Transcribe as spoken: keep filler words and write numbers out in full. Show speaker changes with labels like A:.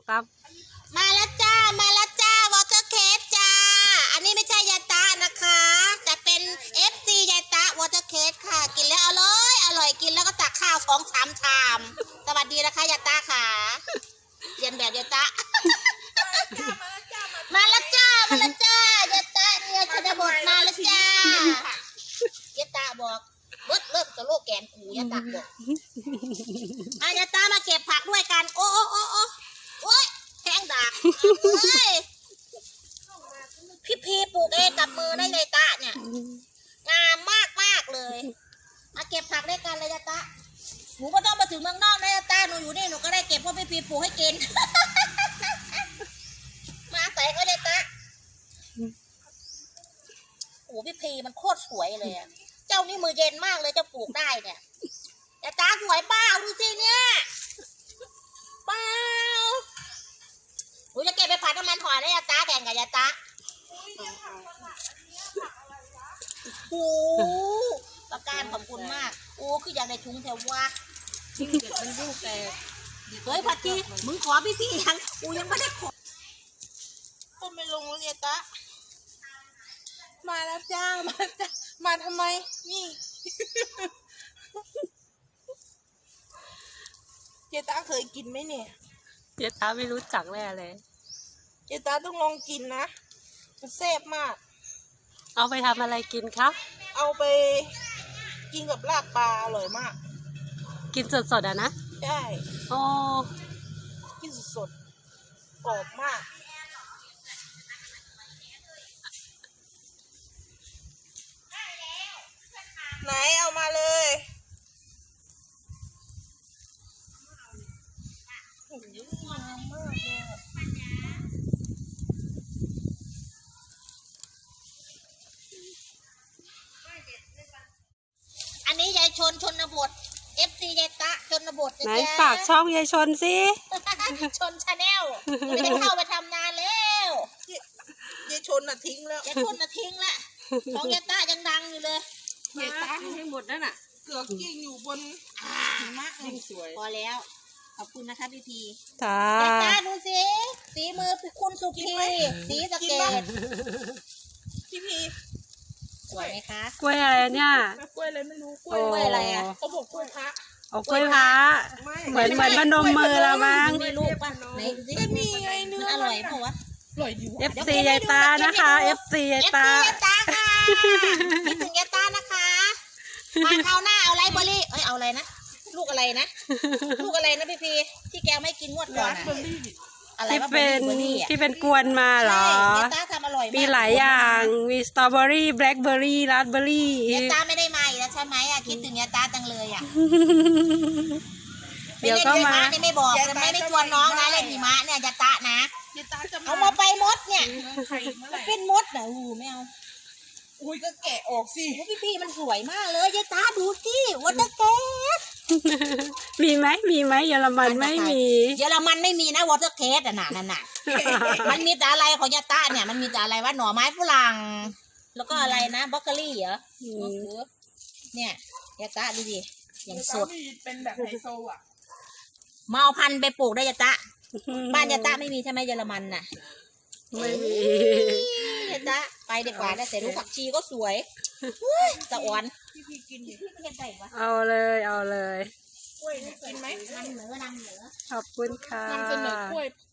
A: ตับ
B: มาแล้วจ้ามาแล้วจ้าวอเตอร์เคสจ้าอันนี้ไม่ใช่ยาตะนะคะแต่เป็นเอฟซียาตะวอเตอร์เคสค่ะกินแล้วอร่อยอร่อยกินแล้วก็ตักข้าวสองสามชามสวัสดีนะคะยาตะค่ะเรียนแบบยาตะมาแล้วจ้ามาแล้วจ้ายาตะเนี่ยชนบทมาแล้วจ้ายาตะบอกเลิกเลิกจะโลกแกนกูยาตะบอกอายาตะมาเก็บผักด้วยกันโอ้โอ้โอ้โอ้โอ้ยแข้งดักเฮ้ยพี่พีปลูกเองกับมือได้เลยตาเนี่ยงามมากมากเลยมาเก็บผักด้วยกันเลยยาตะหนูก็ต้องมาถึงเมืองนอกนะยาตะหนูอยู่นี่หนูก็ได้เก็บเพราะพี่พีปลูกให้กินมาใส่ก็ยาตะโอ้พี่พีมันโคตรสวยเลยอะเจ้านี่มือเย็นมากเลยจะปลูกได้เนี่ยยาตะสวยเปล่าดูสิเนี่ยเปล่าหนูจะเก็บไปผัดน้ำมันหอยนะยาตาแบ่งกับยาตาโอ้ประการขอบคุณมากโอ้คืออยากได้ชุ้งแถวว่ามันยุ่งแต่เฮ้ยพัดจีมึงขอพี่พี่ยังกูยังไม่ได้ขอก็ไม่ลงแล้วยาตามาแล้วจ้ามาจ้ามาทำไมนี่ยาตาเคยกินไหมเนี่ย
A: เจ๊ตาไม่รู้จักแน่เลย
B: เจตาต้องลองกินนะมันแซ่บมาก
A: เอาไปทำอะไรกินครับ
B: เอาไปกินกับลาบปลาอร่อยมาก
A: กินสดๆอ่ะนะ
B: ใช่
A: อ๋อ
B: กินสดๆกรอบมากไหนเอามาเลยโอ้โหงามมากเลยอันนี้ยายชนชนบท เอฟ ซี ยายตะชนบท
A: ไหนฝากช่องยายชนสิ
B: ชนชาแนลไม่ได้เข้าไปทำนานแล้วยายชนน่ะทิ้งแล้วยายชนน่ะทิ้งแล้วของยายตะยังดังอยู่เลย
A: ยายตะให้หมดนั่นน่ะ
B: เกือกกิ้งอยู่บนหิมะยิ่งสวยพอแล้วขอบคุณนะคะพี่พี
A: จ้าย
B: ายตะดูสิสีมือคุณสุพีสีสะเกดพี่พีสวยไหมคะ
A: กล้วยอะไรเนี่ย
B: กล้วยอะไรไม่รู้กล้วยอะไรอ่ะเขาบอกกล้วยพระ
A: เอากล้วยพระเหมือนเหมือนพนมมือละมั้ง
B: มีลูกป่ะไหนดูสิมีไงเนื้ออร่อยเปล่าวะอร่อยดี
A: เอฟ ซี ยายตานะคะ เอฟ ซี ยายตา
B: เอฟ ซี ยายตาค่ะคิดถึงยายตานะคะมาคราวหน้าเอาไรเบอร์รี่เอ้ยเอาอะไรนะลูกอะไรนะลูกอะไรนะพี่พีที่แกไม่กินงวดก่อน
A: ที่เป็นที่เป็นกวนมาเหรอมีหลายอย่างมีสตรอเบอรี่แบล็คเบอร์รี่ราสเบอร์รี่
B: ยาตาไม่ได้มาอีกแล้วใช่ไหมอ่ะคิดถึงยาตาจังเลยอ่ะ
A: เดี๋ยวก็มา
B: นี่ไม่บอกจะไม่ได้ชวนน้องนะเล่นหิมะเนี่ยยาตานะเอามาไปมดเนี่ยเป็นมดเหรอหูไม่เอาอุ้ยก็แกะออกสิพี่พี่มันสวยมากเลยยาตาดูสิวัตเตอร์เกส
A: มีไหมมีไหมเยอรมันไม่มี
B: เยอรมันไม่มีนะวอเตอร์เคสอ่ะน่ะนั่นน่ะมันมีแต่อะไรของยาตาเนี่ยมันมีแต่อะไรว่าหน่อไม้ฝรั่งแล้วก็อะไรนะบล็อกเกอรี่เหรอเนี่ยยาตาดูดิอย่างสด
C: เป็นแบบไฮโซอ่ะ
B: มาเอาพันธุ์ไปปลูกได้ยาตาบ้านยาตาไม่มีใช่ไหมเยอรมันน่ะ
A: ไม่มี
B: ยาตาไปดีกว่าแต่ดูผักชีก็สวยสะอ่อน
A: เอาเลยเอาเลย
C: กล้วยกินไหม
B: นำเหนือนำเหนือ
A: ขอบคุณค่ะ
C: นำเสนอกล้วย